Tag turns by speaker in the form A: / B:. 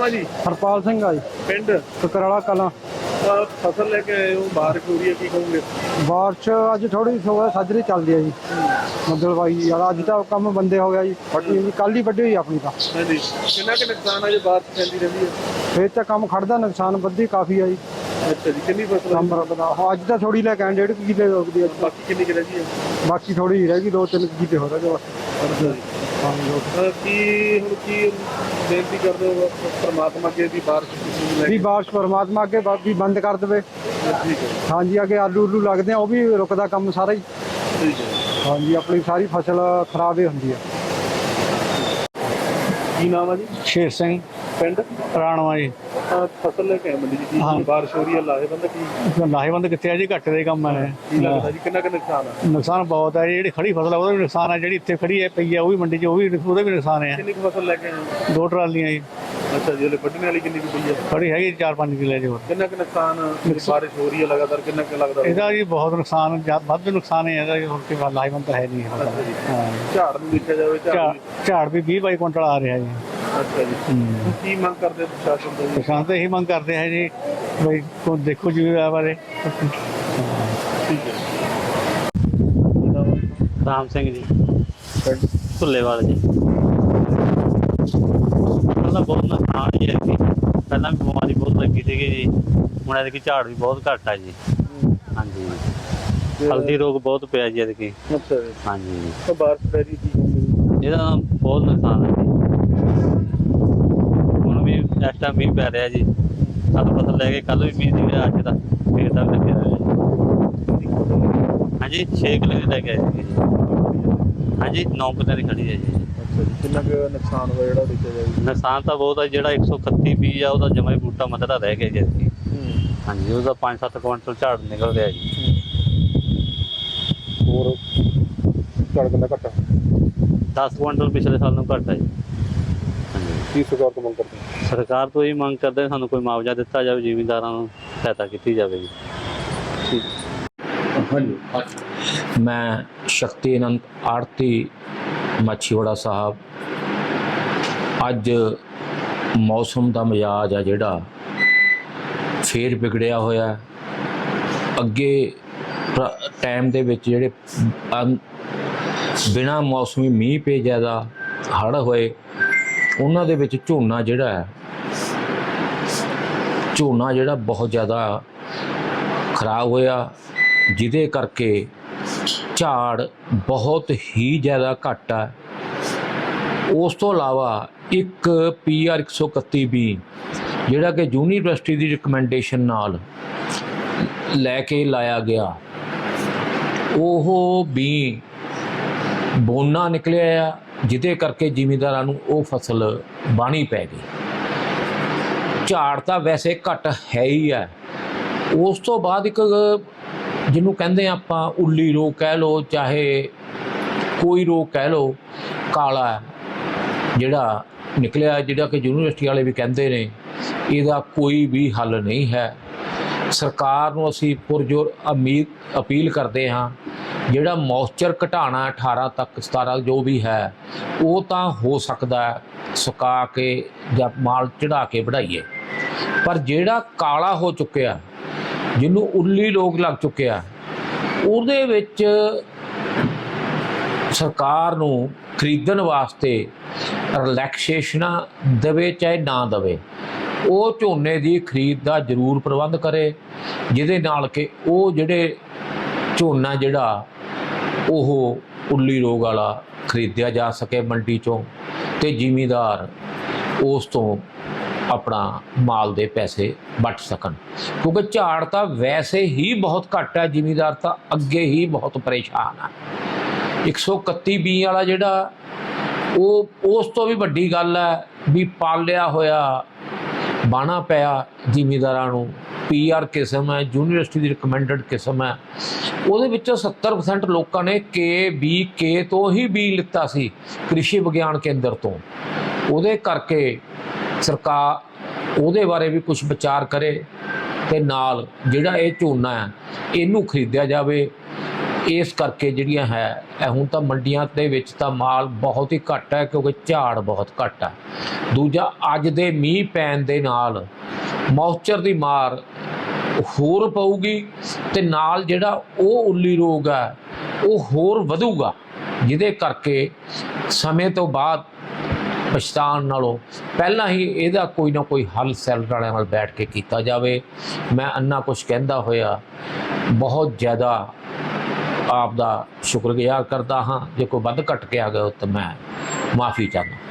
A: है जी?
B: हरपाल सिंह आ जी,
A: पिंड
B: ककराला कलां।
A: फसल लेके आए हो, बारिश हो रही है, की कहोगे?
B: बारिश अज थोड़ी साजरी चलती है जी, मदलवाई वाला अज तो कम बंदे हो गया जी। वड्डी जी कल ही वड्डी हुई अपनी तो।
A: हाँ जी, कितना के नुकसान है जो बारिश पैंदी रही है?
B: फिर तो कम खड़दा, नुकसान बद्धी काफ़ी है जी।
A: अच्छा जी, कितनी फसल है?
B: कम बरबदा अज तो थोड़ी लेके आए 1.5 किले रोकती है,
A: बाकी कितनी की रही है?
B: बाकी थोड़ी रह गई 2-3 किले हो रहे बस।
A: अच्छा जी।
B: हाँ जी,
A: की ਹੁਣ ਕੀ ਬੇਨਤੀ ਕਰਦੇ ਹੋ परमात्मा ਅੱਗੇ ਵੀ ਬਾਰਿਸ਼ ਲੈ
B: भी
A: ਕੇ?
B: बारिश परमात्मा अगे भी बंद कर दे।
A: ठीक है,
B: हाँ जी, अगे आलू उलू लगते हैं, वो भी रुकदा कम सारा ही।
A: ठीक है।
B: हाँ जी, अपनी सारी फसल खराब ही होंगी है।
A: ਕੀ ਨਾਮ ਹੈ ਜੀ?
B: शेर सिंह
A: ਪਿੰਡ
B: राणवा जी।
A: ਫਸਲ ਲੈ ਕੇ ਆਏ ਮੰਡੀ ਜੀ,
B: ਹਾਂ।
A: ਕੀ ਬਾਰਿਸ਼ ਹੋ ਰਹੀ ਹੈ, ਲਾਹੇਵੰਦ ਕੀ
B: ਲਾਹੇਵੰਦ ਕਿੱਥੇ ਆ ਜੀ, ਘੱਟ ਦੇ ਕੰਮ ਹੈ।
A: ਕੀ ਲੱਗਦਾ ਜੀ, ਕਿੰਨਾ ਕੁ ਨੁਕਸਾਨ ਹੈ?
B: ਨੁਕਸਾਨ ਬਹੁਤ ਹੈ ਜੀ, ਜਿਹੜੀ ਖੜੀ ਫਸਲ ਆ ਉਹਦਾ ਵੀ ਨੁਕਸਾਨ ਹੈ, ਜਿਹੜੀ ਇੱਥੇ ਖੜੀ ਹੈ ਪਈ ਹੈ ਉਹ ਵੀ ਮੰਡੀ 'ਚ ਉਹਦਾ ਵੀ ਨੁਕਸਾਨ ਹੈ।
A: ਕਿੰਨੀ ਕੁ ਫਸਲ ਲੈ ਕੇ ਆਏ ਹੋ?
B: 2 ਟਰਾਲੀਆਂ ਜੀ,
A: ਅੱਛਾ ਜੀ, ਹਲੇ ਵੱਢਣੇ ਵਾਲੀ ਕਿੰਨੀ ਕੁ ਪਈ ਹੈ?
B: ਖੜੀ ਹੈਗੀ 4-5 ਕਿੱਲੇ ਜੀ।
A: ਕਿੰਨਾ ਕੁ ਨੁਕਸਾਨ, ਬਾਰਿਸ਼ ਹੋ ਰਹੀ ਹੈ ਲਗਾਤਾਰ, ਕਿੰਨਾ ਕੁ ਲੱਗਦਾ?
B: ਇਹਦਾ ਜੀ ਬਹੁਤ ਨੁਕਸਾਨ, ਵੱਧ ਨੁਕਸਾਨ ਹੈ ਇਹਦਾ ਜੀ, ਹੁਣ ਕਿ ਲਾਹੇਵੰਦ ਤਾਂ ਹੈ ਨਹੀਂ ਇਹ
A: ਅੱਛਾ ਜੀ।
B: ਫਸਲ। ਹਾਂ,
A: ਝਾੜ ਨੂੰ ਦੇਖਿਆ ਜਾਵੇ,
B: ਝਾੜ ਵੀ 20-22 ਕੁਇੰਟਲ ਆ ਰਿਹਾ ਜੀ।
A: ਅੱਛਾ ਜੀ। ਹੁਣ ਕੀ ਮੰਗ ਕਰਦੇ ਹੋ ਪ੍ਰਸ਼ਾਸਨ ਤੋਂ ਜੀ?
B: ਕਿਸਾਨ ਤਾਂ ਇਹੀ ਮੰਗ ਕਰਦੇ ਹੈ ਜੀ ਬਈ ਕੋਈ ਦੇਖੋ ਜੀ ਇਹ ਬਾਰੇ।
A: ਠੀਕ ਹੈ।
C: ਰਾਮ ਸਿੰਘ ਜੀ,
A: ਪਿੰਡ
C: ਢੁੱਲੇਵਾਲ ਜੀ। ਪਹਿਲਾਂ ਬਹੁਤ ਨੁਕਸਾਨ ਜੀ ਐਤਕੀ, ਪਹਿਲਾਂ ਵੀ ਬਿਮਾਰੀ ਬਹੁਤ ਲੱਗੀ ਸੀਗੀ ਜੀ, ਹੁਣ ਐਤਕੀ ਝਾੜ ਵੀ ਬਹੁਤ ਘੱਟ ਆ ਜੀ। ਹਾਂਜੀ, ਹਲਦੀ ਰੋਗ ਬਹੁਤ ਪਿਆ ਜੀ ਐਤਕੀ।
A: ਅੱਛਾ ਜੀ।
C: ਹਾਂਜੀ,
A: ਤਾਂ ਬਾਰਿਸ਼ ਪੈ ਰਹੀ ਕੀ ਕਹੋਗੇ?
C: ਇਹਦਾ ਬਹੁਤ ਨੁਕਸਾਨ ਹੈ ਜੀ। ਹੁਣ ਵੀ ਇਸ ਟਾਈਮ ਮੀਂਹ ਪੈ ਰਿਹਾ ਜੀ, ਕੱਲ੍ਹ ਫਸਲ ਲੈ ਕੇ ਕੱਲ੍ਹ ਵੀ ਮੀਂਹ ਸੀਗਾ, ਅੱਜ ਦਾ ਫੇਰ ਤੱਕ ਲੱਗਿਆ ਹੋਇਆ ਜੀ। ਹਾਂਜੀ, 6 ਕਿੱਲੇ ਦੀ ਲੈ ਕੇ ਆਏ ਸੀਗੇ ਜੀ। ਹਾਂਜੀ, 9 ਕਿੱਲੇ ਦੀ ਖੜੀ ਹੈ ਜੀ।
A: ਅੱਛਾ ਜੀ, ਕਿੰਨਾ ਕੁ ਨੁਕਸਾਨ ਹੋਇਆ ਜਿਹੜਾ ਦੇਖਿਆ ਜਾਵੇ?
C: ਨੁਕਸਾਨ ਤਾਂ ਬਹੁਤ ਹੈ, ਜਿਹੜਾ 131 ਬੀਜ ਆ ਉਹਦਾ ਜਮਾ ਹੀ ਬੂਟਾ ਮੱਧਰਾ ਰਹਿ ਗਿਆ ਜੀ ਐਤਕੀ। ਹਾਂਜੀ, ਉਹਦਾ 5-7 ਕੁਇੰਟਲ ਝਾੜ ਨਿਕਲ ਰਿਹਾ ਜੀ।
A: ਹੋਰ ਝਾੜ ਕਿੰਨਾ ਘਟਾ?
C: 10 ਕੁਇੰਟਲ ਪਿਛਲੇ ਸਾਲ ਨੂੰ ਘੱਟ ਹੈ ਜੀ। ਹਾਂਜੀ,
A: ਕੀ ਸਰਕਾਰ ਤੋਂ ਮੰਗ ਕਰਦੇ ਹੋ?
C: ਸਰਕਾਰ ਤੋਂ ਇਹ ਮੰਗ ਕਰਦੇ ਸਾਨੂੰ ਕੋਈ ਮੁਆਵਜ਼ਾ ਦਿੱਤਾ ਜਾਵੇ, ਜ਼ਿਮੀਂਦਾਰਾਂ ਨੂੰ ਸਹਾਇਤਾ ਕੀਤੀ ਜਾਵੇ ਜੀ।
A: ਠੀਕ। ਹਾਂਜੀ।
D: मैं शक्ति अनंत आरती माछीवाड़ा साहब। अज मौसम का मिजाज है जोड़ा फिर बिगड़िया होया। अगे टाइम दे विच जिहड़े बिना मौसमी मीह पे ज़्यादा हड़ होए उन्हां दे विच झोना जिहड़ा बहुत ज़्यादा खराब होया, जिहदे करके झाड़ बहुत ही ज़्यादा घट है। उस तो इलावा एक PR 131 भी जिहड़ा कि यूनीवर्सिटी की रिकमेंडेशन नाल लैके लाया गया, वो भी बोना निकलिया, जिहदे करके जिमींदारां नूं वो फसल बाणी पै गई। झाड़ तो वैसे घट है ही है। उस तो बाद एक जिन्हों कहते हैं आपां उल्ली रोग कह लो, चाहे कोई रोग कह लो, काला जिहड़ा निकलिया, जिहड़ा कि यूनीवर्सिटी वाले भी कहते हैं, इसदा कोई भी हल नहीं है। सरकार नूं असीं पुरजोर अपील करते हाँ, जिहड़ा मॉइस्चर घटाना 18 तक 17 जो भी है वो तो हो सकता है सुका के या माल चढ़ा के बढ़ाइए, पर जिहड़ा काला हो चुकिया, जिन्हों उल्ली रोग लग चुके उहदे विच सरकार नूं खरीदण वास्ते रिलैक्सेशन देवे चाहे ना देवे, वो झोने की खरीद का जरूर प्रबंध करे, जिहदे नाल कि वो जिहड़े झोना जिहड़ा ओह उल्ली रोग वाला खरीदिया जा सके मंडी चों, ते जिमींदार उस तो अपना माल दे पैसे बच सकन। क्योंकि झाड़ तो वैसे ही बहुत घट है, जिमींदार तो अगे ही बहुत परेशान है। 131 बी वाला जिहड़ा वो उस तो भी वड्डी गल है भी पालिया होया बाना पिया जिमींदारां नूं। PR किस्म है, यूनीवर्सिटी की रिकमेंडेड किस्म है, वो 70% लोगों ने KBK तो ही बी लिता सी कृषि विज्ञान केंद्र तो। उहदे करके सरकार उहदे बारे भी कुछ विचार करे ते नाल जिहड़ा ये झोना है इनू खरीदिया जावे। ਇਸ ਕਰਕੇ ਜਿਹੜੀਆਂ ਹੈ ਇਹ ਹੁਣ ਤਾਂ ਮੰਡੀਆਂ ਦੇ ਵਿੱਚ ਤਾਂ ਮਾਲ ਬਹੁਤ ਹੀ ਘੱਟ ਹੈ ਕਿਉਂਕਿ ਝਾੜ ਬਹੁਤ ਘੱਟ ਹੈ। ਦੂਜਾ ਅੱਜ ਦੇ ਮੀਂਹ ਪੈਣ ਦੇ ਨਾਲ ਮੌਇਸਚਰ ਦੀ ਮਾਰ ਹੋਰ ਪਊਗੀ ਤੇ ਨਾਲ ਜਿਹੜਾ ਉਹ ਉੱਲੀ ਰੋਗ ਹੈ ਉਹ ਹੋਰ ਵਧੂਗਾ, ਜਿਹਦੇ ਕਰਕੇ ਸਮੇਂ ਤੋਂ ਬਾਅਦ ਪਛਤਾਉਣ ਨਾਲੋਂ ਪਹਿਲਾਂ ਹੀ ਇਹਦਾ ਕੋਈ ਨਾ ਕੋਈ ਹੱਲ ਸੈੱਲ ਵਾਲਿਆਂ ਨਾਲ ਬੈਠ ਕੇ ਕੀਤਾ ਜਾਵੇ। ਮੈਂ ਇੰਨਾ ਕੁਛ ਕਹਿੰਦਾ ਹੋਇਆ ਬਹੁਤ ਜ਼ਿਆਦਾ ਆਪ ਦਾ ਸ਼ੁਕਰਗੁਜ਼ਾਰ ਕਰਦਾ ਹਾਂ। ਜੇ ਕੋਈ ਵੱਧ ਘੱਟ ਕੇ ਆ ਗਿਆ ਤਾਂ ਮੈਂ ਮਾਫੀ ਚਾਹੁੰਦਾ।